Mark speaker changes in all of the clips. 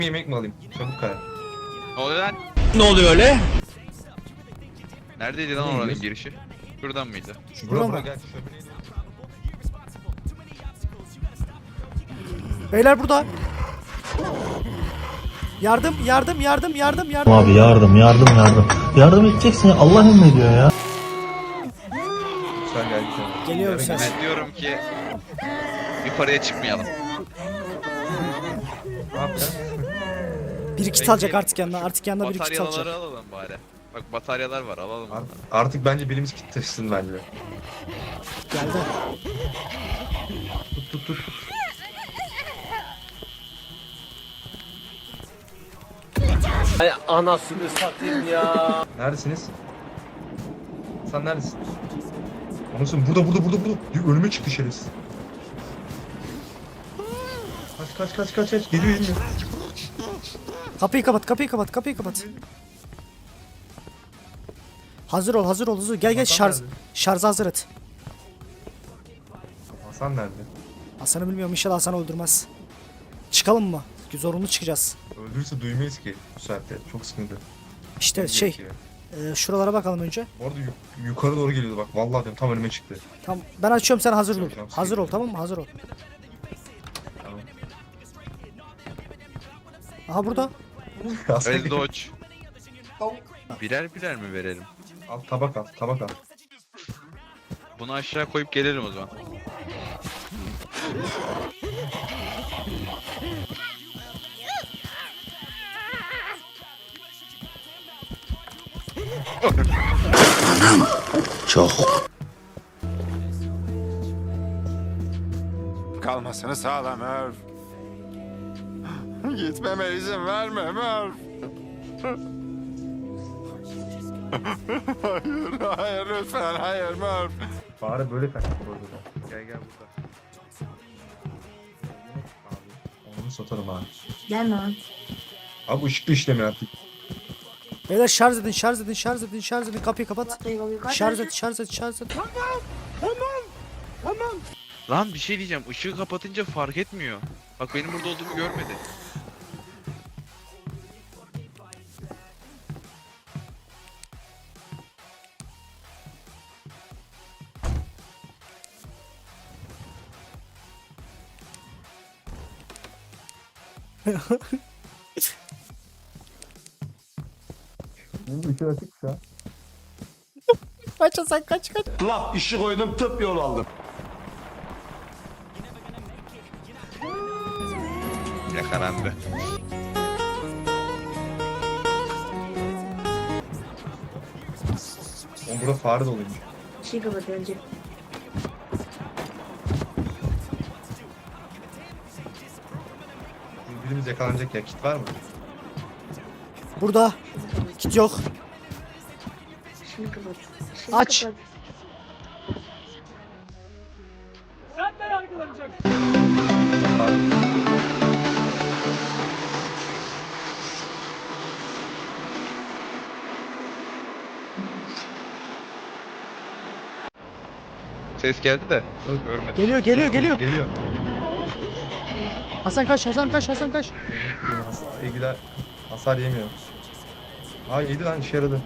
Speaker 1: yemek mi alayım? Çabuk karar.
Speaker 2: Ne oluyor lan?
Speaker 3: Ne oluyor öyle?
Speaker 2: Neredeydi lan
Speaker 1: Neymiş?
Speaker 2: oranın girişi? Şuradan mıydı?
Speaker 1: Bura
Speaker 4: mı?
Speaker 1: gel. Şömineyi de-
Speaker 4: Beyler burada. Yardım.
Speaker 5: Abi yardım. Yardım edeceksin ya, Allah emrediyor ya.
Speaker 1: Sen gel güzel.
Speaker 4: Geliyor
Speaker 1: Yarın
Speaker 4: ses.
Speaker 2: Ben diyorum ki yukarıya çıkmayalım.
Speaker 1: Ne yapacaksın?
Speaker 4: Bir kit
Speaker 2: Peki.
Speaker 4: alacak artık yanına. Artık yanına bir kit
Speaker 2: Bataryaları
Speaker 4: alacak.
Speaker 2: alalım bari. Bak bataryalar var alalım onları.
Speaker 1: Artık bence birimiz kit taşısın bence.
Speaker 4: Geldi.
Speaker 1: Tut.
Speaker 3: Ay anasını satayım ya.
Speaker 1: Neredesiniz? Sen neredesin? Anasını burada. Önüme çıktı şerefsiz. Kaç. Geliyor.
Speaker 4: Kapıyı kapat. Hazır ol. Gel
Speaker 1: Hasan nerede?
Speaker 4: şarjı hazır et.
Speaker 1: Hasan nerede?
Speaker 4: Hasan'ı bilmiyorum, inşallah Hasan'ı öldürmez. Çıkalım mı? Zorunlu çıkacağız.
Speaker 1: Öldürürse duymayız ki bu saatte. Çok sıkıntı.
Speaker 4: İşte
Speaker 1: Gerekiyor.
Speaker 4: şuralara bakalım önce.
Speaker 1: Orada yukarı doğru geliyordu bak. Vallahi diyorum tam önüme çıktı.
Speaker 4: Tamam, ben açıyorum, sen hazır ol.
Speaker 1: Tamam.
Speaker 4: Hazır ol, tamam mı? Hazır ol.
Speaker 1: Tamam.
Speaker 4: Aha burada.
Speaker 1: Hasan
Speaker 2: Öyle Dodge. Birer mi verelim?
Speaker 1: al tabak al.
Speaker 2: Bunu aşağı koyup gelelim o zaman.
Speaker 6: Kalmasını sağla Merv. Gitmeme izin verme Merv. Hayır lütfen hayır Merv.
Speaker 1: Fare böyle kaçtı burada. Gel burada. Abi onu satarım abi.
Speaker 7: Gelme abi.
Speaker 1: Abi ışıklı işlemiyor artık.
Speaker 4: Beyler şarj edin. Kapıyı kapat.
Speaker 7: Kaç.
Speaker 4: Şarj et.
Speaker 2: Lan bir şey diyeceğim. Işığı kapatınca fark etmiyor. Bak benim burada olduğumu görmedi.
Speaker 1: Benim ışık açık şu an.
Speaker 4: Kaç Hasan, kaç.
Speaker 3: Laf işi koydum tıp yol aldım.
Speaker 2: Yakalandı.
Speaker 1: Oğlum burada fare doluymuş.
Speaker 7: Şey kapat önce.
Speaker 1: Birimiz yakalanacak ya. Kit var mı?
Speaker 4: Burada. Kit yok.
Speaker 7: Şimdi kapat.
Speaker 4: Aç.
Speaker 7: Kapat.
Speaker 2: Ses geldi de görmedim.
Speaker 4: Geliyor. Hasan kaç.
Speaker 1: Sevgiler hasar yemiyor. Aa yedi lan işe yaradı.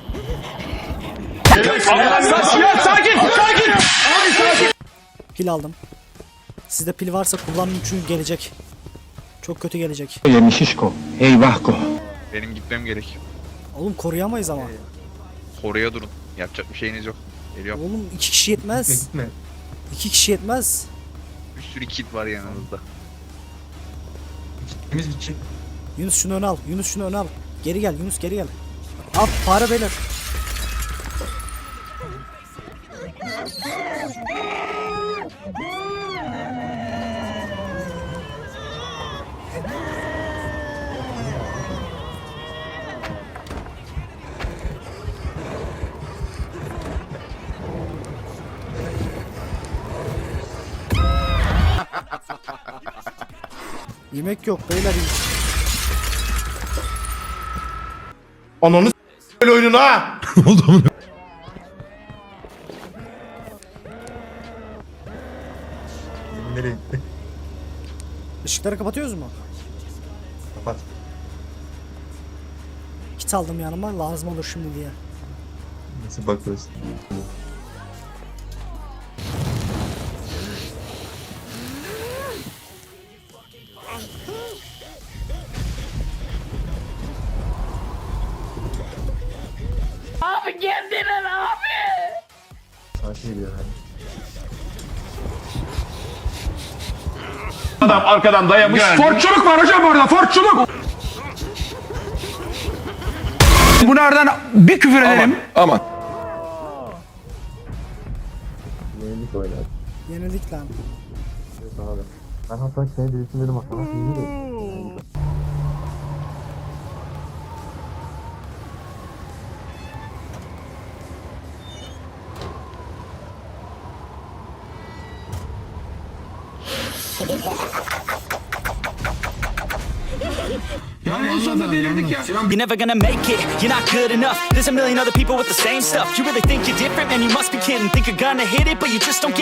Speaker 4: Pil aldım. Sizde pil varsa kullanın çünkü gelecek. Çok kötü gelecek.
Speaker 2: Benim gitmem gerek.
Speaker 4: Oğlum koruyamayız ama.
Speaker 2: Oraya durun. Yapacak bir şeyiniz yok. Geliyorum.
Speaker 4: Oğlum 2 kişi yetmez.
Speaker 1: Gitme.
Speaker 4: 2 kişi yetmez.
Speaker 2: Bir sürü kit var yanınızda.
Speaker 1: Temiz bir çift.
Speaker 4: Yunus şunu öne al. Geri gel Yunus, geri gel. Al fare beyler. Yemek yok beyler.
Speaker 3: Ananı s*** oyununu ha.
Speaker 1: Nereye gitti?
Speaker 4: Işıkları kapatıyoruz mu?
Speaker 1: Kapat.
Speaker 4: Kit aldım yanıma, lazım olur şimdi diye.
Speaker 1: Nasıl bakıyorsun?
Speaker 7: Abi geldiler abi.
Speaker 1: Sakin gidiyor yani.
Speaker 8: Adam arkadan dayamış. Fortçuluk var hocam orada, fortçuluk. Bu nereden bir küfür ederim. Aman.
Speaker 1: Yenilik oynar.
Speaker 4: Yenildik lan.
Speaker 1: Evet abi. Ben hatta seni değilsin dedim aslında. İyi de.
Speaker 8: Yani en sonunda delirdik ya.
Speaker 9: You're never gonna make it, you're not good enough. There's a million other people with the same stuff. You really think you're different? Man, you must be kidding. Think you're gonna hit it, but you just don't get